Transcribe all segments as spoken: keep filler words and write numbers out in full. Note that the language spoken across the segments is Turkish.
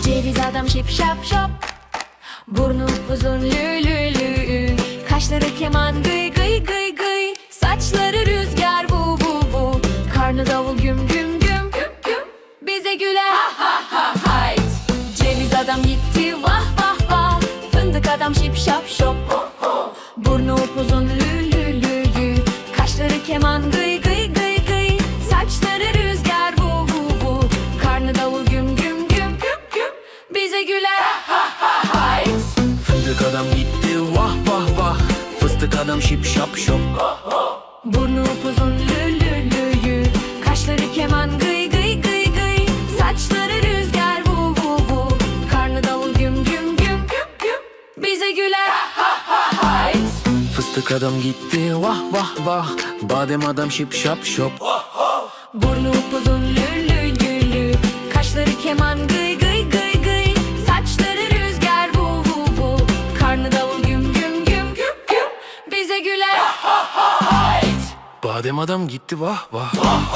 Ceviz adam şip şap şop, burnu uzun lü lü lü, kaşları keman gıy gıy gıy gıy, saçları rüzgar bu bu bu, karnı davul güm güm güm güm güm, bize güler ha ha ha hayt. Ceviz adam gitti vah vah vah, fındık adam şip şap şop, burnu upuzun lü lü lü lü, kaşları keman gıy gıy gıy gıy, saçları rüzgar bu bu bu, karnı davul güm güm güm güm güm, bize güler ha ha ha hayt. Fındık adam gitti vah vah vah, fıstık adam şip şap şop, burnu upuzun lü lü lü lü, kaşları keman gıy gıy gıy gıy, saçları rüzgar bu bu bu, karnı davul güm güm güm güm güm, bize güler ha ha ha hayt. fıstık adam gitti vah vah vah, badem adam şip şap şop, burnu upuzun lü lü lü lü, kaşları keman gıy gıy gıy gıy, saçları rüzgar bu bu bu, karnı davul güm güm güm güm güm, bize güler ha ha ha hayt. badem adam gitti vah vah.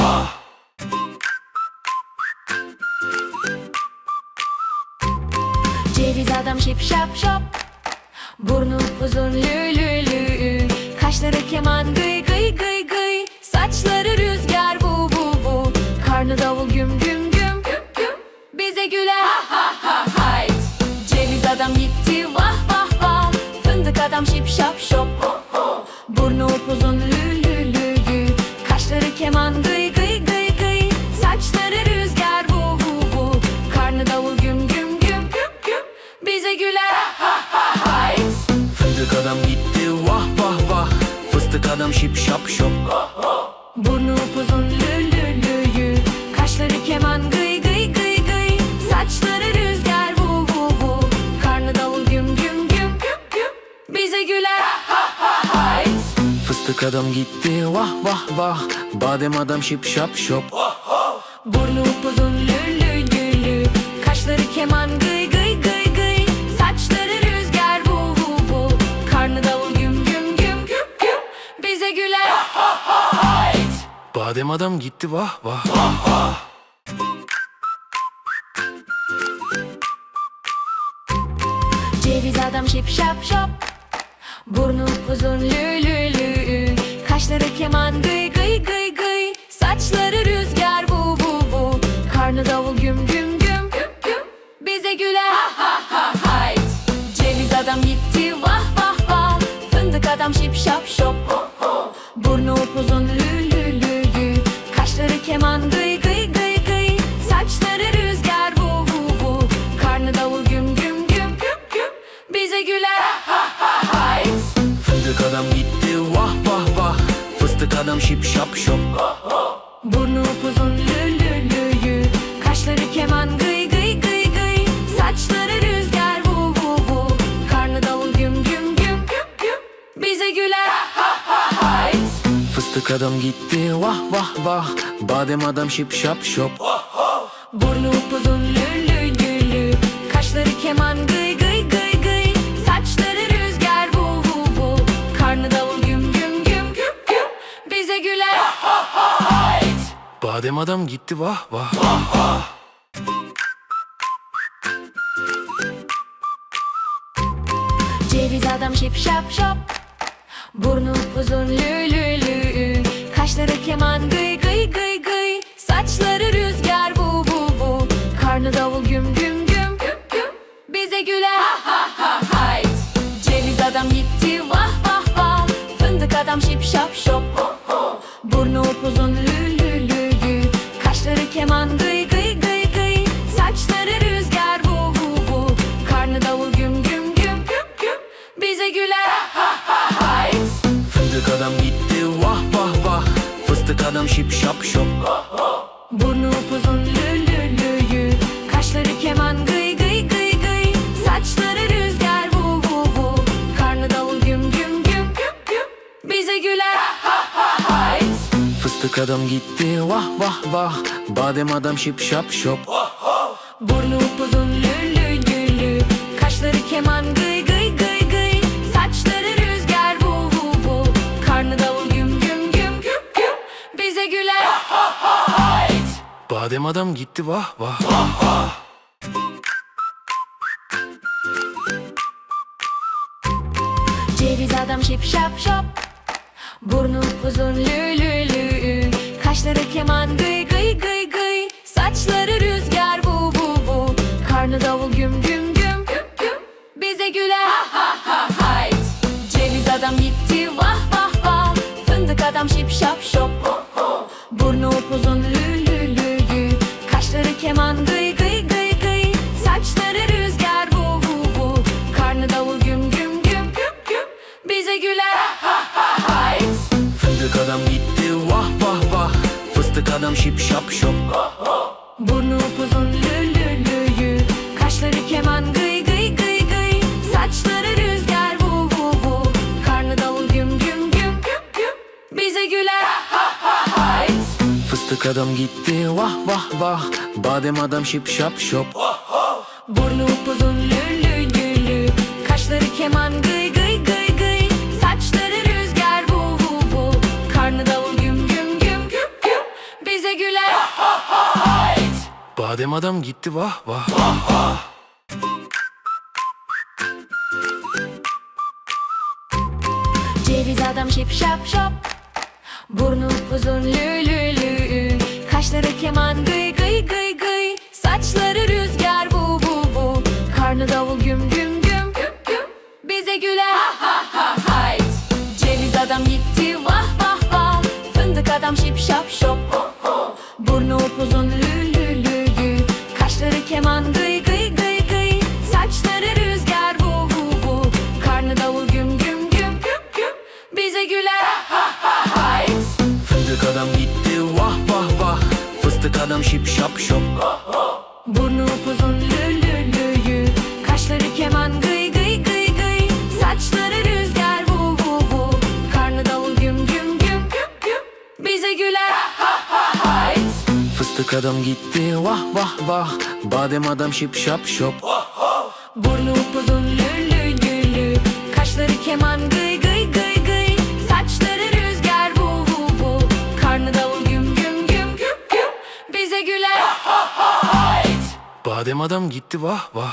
Ceviz adam şip şap şop, burnu uzun lü lü lü, kaşları keman gıy gıy gıy gıy, saçları rüzgar bu bu bu, karnı davul güm güm güm güm güm, bize güler ha ha ha hayt. Ceviz adam gitti vah vah vah, fındık adam şip şap şop, burnu upuzun lü lü lü lü, kaşları keman gıy gıy gıy gıy, saçları rüzgar bu bu bu, karnı davul güm güm güm güm güm, bize güler ha ha hayt. Fındık adam gitti vah vah vah, fıstık adam şip şap şop, burnu upuzun lü lü lü lü, kaşları keman gıy gıy gıy gıy, saçları rüzgar bu bu bu, karnı davul güm güm güm güm güm, bize güler ha ha hayt. fıstık adam gitti vah vah vah, badem adam şip şap şop, Burnu upuzun lü lü lü lü, kaşları keman gıy gıy gıy gıy, saçları rüzgar bu bu bu, karnı davul güm güm güm güm güm, bize güler ha ha hayt. badem adam gitti vah vah. Ceviz adam şip şap şop, burnu uzun lü lü lü, kaşları keman gıy gıy gıy gıy, saçları rüzgar bu bu bu, karnı davul güm güm güm güm güm, bize güler ha ha ha hayt. Ceviz adam gitti vah vah vah, fındık adam şip şap şop, burnu upuzun lü lü lü lü, kaşları keman gıy gıy gıy gıy, saçları rüzgar bu bu bu, karnı davul güm güm güm güm güm, bize güler ha ha hayt. Fındık adam gitti vah vah vah, fıstık adam şip şap şop, Burnu upuzun lü lü lü lü, kaşları keman gıy gıy gıy gıy, saçları rüzgar bu bu bu, karnı davul güm güm güm güm güm, bize güler ha ha hayt. fıstık adam gitti vah vah vah, badem adam şip şap şop, Burnu upuzun lü lü lü lü, kaşları keman gıy gıy gıy gıy, saçları rüzgar bu bu bu, karnı davul güm güm güm güm güm, bize güler ha ha hayt. badem adam gitti vah vah. Ceviz adam şip şap şop, burnu uzun lü lü lü, kaşları keman gıy gıy gıy gıy, saçları rüzgar bu bu bu, karnı davul güm güm güm güm güm, bize güler ha ha ha hayt. Ceviz adam gitti vah vah vah, fındık adam şip şap şop, burnu upuzun lü lü lü lü, kaşları keman gıy gıy gıy gıy, saçları rüzgar bu bu bu, karnı davul güm güm güm güm güm, bize güler ha ha hayt. Fındık adam gitti vah vah vah, fıstık adam şip şap şop, Burnu upuzun lü lü lü lü, kaşları keman gıy gıy gıy gıy, saçları rüzgar bu bu bu, karnı davul güm güm güm güm güm, bize güler ha ha hayt. fıstık adam gitti vah vah vah, badem adam şip şap şop, Burnu upuzun lü lü lü lü, kaşları keman gıy gıy gıy gıy, saçları rüzgar bu bu bu, karnı davul güm güm güm güm güm, bize güler ha ha hayt. badem adam gitti vah vah. Ceviz adam şip şap şop, burnu uzun lü lü lü, kaşları keman gıy gıy gıy gıy, saçları rüzgar vu vu vu, karnı davul güm güm güm güm güm, bize güler ha ha ha hayt. Ceviz adam gitti vah vah vah, fındık adam şip şap şop, burnu upuzun lü lü lü lü, kaşları keman gıy gıy gıy gıy, saçları rüzgar vu vu vu, karnı davul güm güm güm güm güm, bize güler ha ha ha hayt. Fındık adam gitti vah vah vah, fıstık adam şip şap şop, burnu upuzun lü lü lü lü, kaşları keman gıy gıy gıy gıy, saçları rüzgar vu vu vu, karnı davul güm güm güm güm güm, bize güler ha ha hayt. fıstık adam gitti vah vah vah, badem adam şip şap şop, Burnu upuzun lü lü lü lü, kaşları keman gıy gıy gıy gıy, saçları rüzgar vu vu vu, karnı davul güm güm güm güm güm, bize güler ha ha hayt. badem adam gitti vah vah. Ceviz adam şip şap şop, burnu uzun lü lü lü, kaşları keman gıy gıy gıy gıy, saçları rüzgar vu vu vu, karnı davul güm güm güm güm güm, bize güler ha ha ha hayt. Ceviz adam gitti vah vah vah, fındık adam şip şap şop, burnu upuzun lü lü lü lü, kaşları keman gıy gıy gıy gıy, saçları rüzgar vu vu vu, karnı davul güm güm güm güm güm, bize güler ha ha hayt. Fındık adam gitti vah vah vah, fıstık adam şip şap şop, Burnu upuzun lü lü lü lü, kaşları keman gıy gıy gıy gıy, saçları rüzgar vu vu vu, karnı davul güm güm güm güm güm, bize güler ha ha hayt. fıstık adam gitti vah vah vah, badem adam şip şap şop, Burnu upuzun lü lü lü lü, kaşları keman gıy gıy gıy gıy, saçları rüzgar vu vu vu, karnı davul güm güm güm güm güm, bize güler ha ha hayt. badem adam gitti vah vah.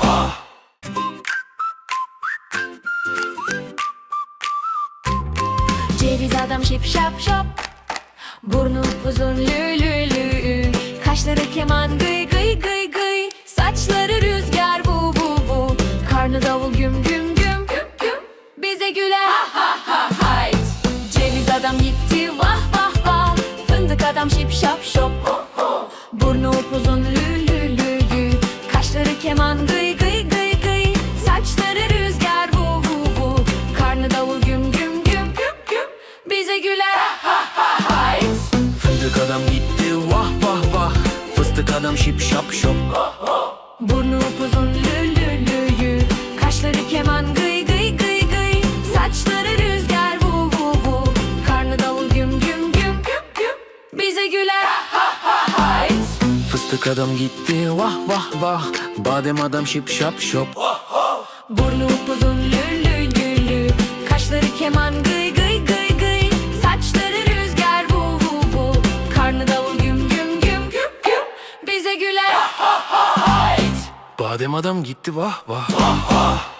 Ceviz adam şip şap şop, burnu uzun lü lü lü, kaşları keman gıy gıy gıy gıy, saçları rüzgar vu vu vu, karnı davul güm güm güm güm güm, bize güler ha ha ha hayt. Ceviz adam gitti vah vah vah, fındık adam şip şap şop, burnu upuzun lü lü lü lü, kaşları keman gıy gıy gıy gıy, saçları rüzgar vu vu vu, karnı davul güm güm güm güm güm, bize güler ha ha hayt. Fındık adam gitti vah vah vah, fıstık adam şip şap şop, Burnu upuzun lü lü lü lü, kaşları keman gıy gıy gıy gıy, saçları rüzgar vu vu vu, karnı davul güm güm güm güm güm, bize güler ha ha hayt. fıstık adam gitti vah vah vah, badem adam şip şap şop, Burnu upuzun lü lü lü lü, kaşları keman gıy gıy gıy gıy, saçları rüzgar vu vu vu, karnı davul güm güm güm güm güm, bize güler ha ha hayt. badem adam gitti vah vah.